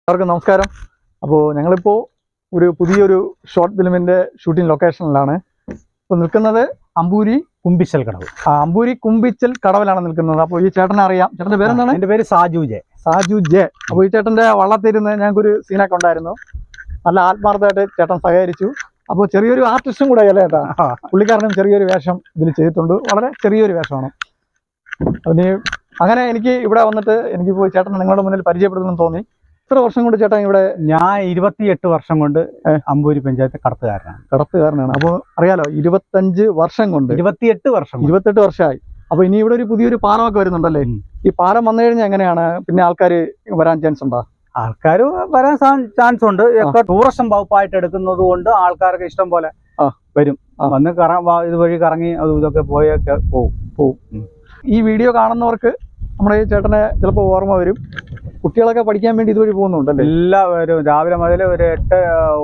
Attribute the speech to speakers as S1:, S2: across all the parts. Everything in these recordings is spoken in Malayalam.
S1: എല്ലാവർക്കും നമസ്കാരം. അപ്പോൾ ഞങ്ങളിപ്പോൾ ഒരു പുതിയൊരു ഷോർട്ട് ഫിലിമിൻ്റെ ഷൂട്ടിംഗ് ലൊക്കേഷനിലാണ്. ഇപ്പോൾ നിൽക്കുന്നത് അമ്പൂരി
S2: കുമ്പിച്ചൽ കടവ്.
S1: അമ്പൂരി കുമ്പിച്ചൽ കടവിലാണ് നിൽക്കുന്നത്. അപ്പോൾ ഈ ചേട്ടനെ അറിയാം. ചേട്ടൻ്റെ പേരെന്താണ്?
S2: എൻ്റെ പേര് സാജു ജെ.
S1: അപ്പോൾ ഈ ചേട്ടൻ്റെ വള്ളത്തിരുന്ന് ഞങ്ങൾക്കൊരു സീനൊക്കെ ഉണ്ടായിരുന്നു. നല്ല ആത്മാർത്ഥമായിട്ട് ചേട്ടൻ സഹകരിച്ചു. അപ്പോൾ ചെറിയൊരു ആർട്ടിസ്റ്റും കൂടെ അല്ലേ ചേട്ടാ? പുള്ളിക്കാരനും ചെറിയൊരു വേഷം ഇതിൽ ചെയ്തിട്ടുണ്ട്. വളരെ ചെറിയൊരു വേഷമാണ്. അതിന് അങ്ങനെ എനിക്ക് ഇവിടെ വന്നിട്ട് എനിക്കിപ്പോൾ ചേട്ടനെ നിങ്ങളുടെ മുന്നിൽ പരിചയപ്പെടുത്തണമെന്ന് തോന്നി. എത്ര വർഷം കൊണ്ട് ചേട്ടൻ ഇവിടെ?
S2: ഞാൻ 28 വർഷം കൊണ്ട് അമ്പൂരി പഞ്ചായത്ത് കടത്തുകാരനാണ്. അപ്പോൾ അറിയാലോ, 25 വർഷം കൊണ്ട് 28 വർഷമായി. അപ്പോൾ ഇനി ഇവിടെ ഒരു പുതിയൊരു പാലമൊക്കെ വരുന്നുണ്ടല്ലേ? ഈ പാലം വന്നു കഴിഞ്ഞാൽ എങ്ങനെയാണ് പിന്നെ ആൾക്കാർ വരാൻ ചാൻസ് ഉണ്ടോ? ആൾക്കാർ വരാൻ ചാൻസ് ഉണ്ട്. ടൂറിസം വകുപ്പായിട്ട് എടുക്കുന്നത് കൊണ്ട് ആൾക്കാർക്ക് ഇഷ്ടം പോലെ വരും. വന്ന് ഇതുവഴി കറങ്ങി അതും ഇതൊക്കെ പോയൊക്കെ പോവും.
S1: ഈ വീഡിയോ കാണുന്നവർക്ക് നമ്മുടെ ഈ ചേട്ടനെ ചിലപ്പോൾ ഓർമ്മ വരും. കുട്ടികളൊക്കെ പഠിക്കാൻ വേണ്ടി ഇതുവഴി പോകുന്നുണ്ടല്ലേ?
S2: എല്ലാവരും രാവിലെ മുതൽ ഒരു 8,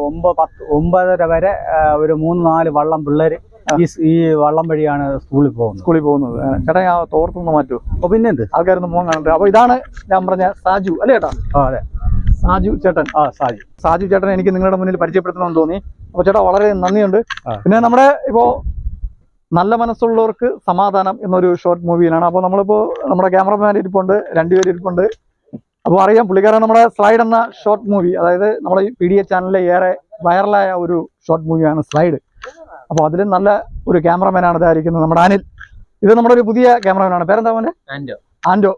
S2: 9 വരെ ഒരു 3-4 വള്ളം പിള്ളേർ ഈ വള്ളം വഴിയാണ് സ്കൂളിൽ പോകുന്നത്.
S1: ചേട്ടാ ആ തോർത്തൊന്ന് മാറ്റൂ.
S2: അപ്പോൾ പിന്നെ എന്ത്
S1: ആൾക്കാരൊന്നും പോകാൻ കാണട്ടെ. അപ്പോൾ ഇതാണ് ഞാൻ പറഞ്ഞ സാജു അല്ലേ ചേട്ടാ?
S2: അതെ,
S1: സാജു ചേട്ടൻ. സാജു ചേട്ടൻ എനിക്ക് നിങ്ങളുടെ മുന്നിൽ പരിചയപ്പെടുത്തണമെന്ന് തോന്നി. അപ്പോൾ ചേട്ടാ വളരെ നന്ദിയുണ്ട്. പിന്നെ നമ്മുടെ ഇപ്പോൾ നല്ല മനസ്സുള്ളവർക്ക് സമാധാനം എന്നൊരു ഷോർട്ട് മൂവിയിലാണ്. അപ്പോൾ നമ്മളിപ്പോൾ നമ്മുടെ ക്യാമറമാൻ ഇരിപ്പുണ്ട്, 2 പേര് ഇരിപ്പുണ്ട്. അപ്പോൾ അറിയാം, പുള്ളിക്കാരൻ നമ്മുടെ സ്ലൈഡ് എന്ന ഷോർട്ട് മൂവി, അതായത് നമ്മുടെ ഈ PDA ചാനലിലെ ഏറെ വൈറലായ ഒരു ഷോർട്ട് മൂവിയാണ് സ്ലൈഡ്. അപ്പോൾ അതിൽ നല്ല ഒരു ക്യാമറമാനാണ് ഇതായിരിക്കുന്നത് നമ്മുടെ അനിൽ. ഇത് നമ്മുടെ ഒരു പുതിയ ക്യാമറമാനാണ്. പേരെന്താ മോനെ? ആൻഡോ.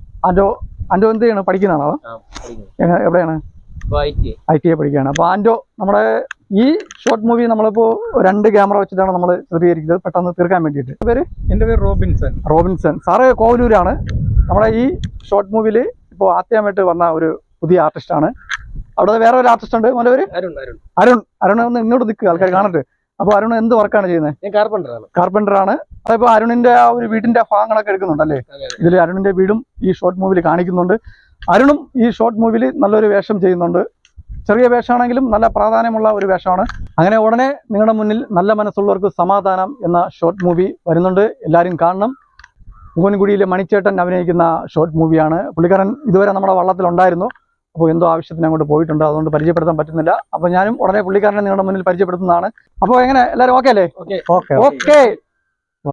S1: എന്ത് ചെയ്യണം? പഠിക്കുന്നതാണോ? എവിടെയാണ്? ITI പഠിക്കുകയാണ്. അപ്പോൾ ആൻഡോ നമ്മുടെ ഈ ഷോർട്ട് മൂവി നമ്മളിപ്പോൾ 2 ക്യാമറ വെച്ചിട്ടാണ് നമ്മൾ ചിത്രീകരിക്കുന്നത്, പെട്ടെന്ന് തീർക്കാൻ വേണ്ടിയിട്ട്.
S3: എൻ്റെ പേര്
S1: റോബിൻസൺ. സാറ് കോവലൂരാണ്. നമ്മുടെ ഈ ഷോർട്ട് മൂവിയിൽ ഇപ്പോൾ ആദ്യമായിട്ട് വന്ന ഒരു പുതിയ ആർട്ടിസ്റ്റാണ്. അവിടെ വേറെ ഒരു ആർട്ടിസ്റ്റ് ഉണ്ട്. മോൻ്റെ പേര് അരുൺ. ഒന്ന് ഇങ്ങോട്ട് നിൽക്കുക, ആൾക്കാർ കാണട്ടെ. അപ്പോൾ അരുൺ എന്ത് വർക്കാണ് ചെയ്യുന്നത്? കാർപ്പൻ്ററാണ്. അതിപ്പോൾ അരുണിന്റെ ആ ഒരു വീടിന്റെ ഭാഗങ്ങളൊക്കെ എടുക്കുന്നുണ്ടല്ലേ? ഇതിൽ അരുണിന്റെ വീടും ഈ ഷോർട്ട് മൂവിയിൽ കാണിക്കുന്നുണ്ട്. അരുണും ഈ ഷോർട്ട് മൂവിയിൽ നല്ലൊരു വേഷം ചെയ്യുന്നുണ്ട്. ചെറിയ വേഷമാണെങ്കിലും നല്ല പ്രാധാന്യമുള്ള ഒരു വേഷമാണ്. അങ്ങനെ ഉടനെ നിങ്ങളുടെ മുന്നിൽ നല്ല മനസ്സുള്ളവർക്ക് സമാധാനം എന്ന ഷോർട്ട് മൂവി വരുന്നുണ്ട്. എല്ലാവരും കാണണം. പൂവൻകുടിയിലെ മണിച്ചേട്ടൻ അഭിനയിക്കുന്ന ഷോർട്ട് മൂവിയാണ്. പുള്ളിക്കാരൻ ഇതുവരെ നമ്മുടെ വള്ളത്തിലുണ്ടായിരുന്നു. അപ്പോൾ എന്തോ ആവശ്യത്തിന് അങ്ങോട്ട് പോയിട്ടുണ്ട്, അതുകൊണ്ട് പരിചയപ്പെടുത്താൻ പറ്റുന്നില്ല. അപ്പോൾ ഞാനും ഉടനെ പുള്ളിക്കാരനെ നിങ്ങളുടെ മുന്നിൽ പരിചയപ്പെടുത്തുന്നതാണ്. അപ്പോൾ എങ്ങനെ എല്ലാവരും ഓക്കെ അല്ലേ?
S2: ഓക്കെ.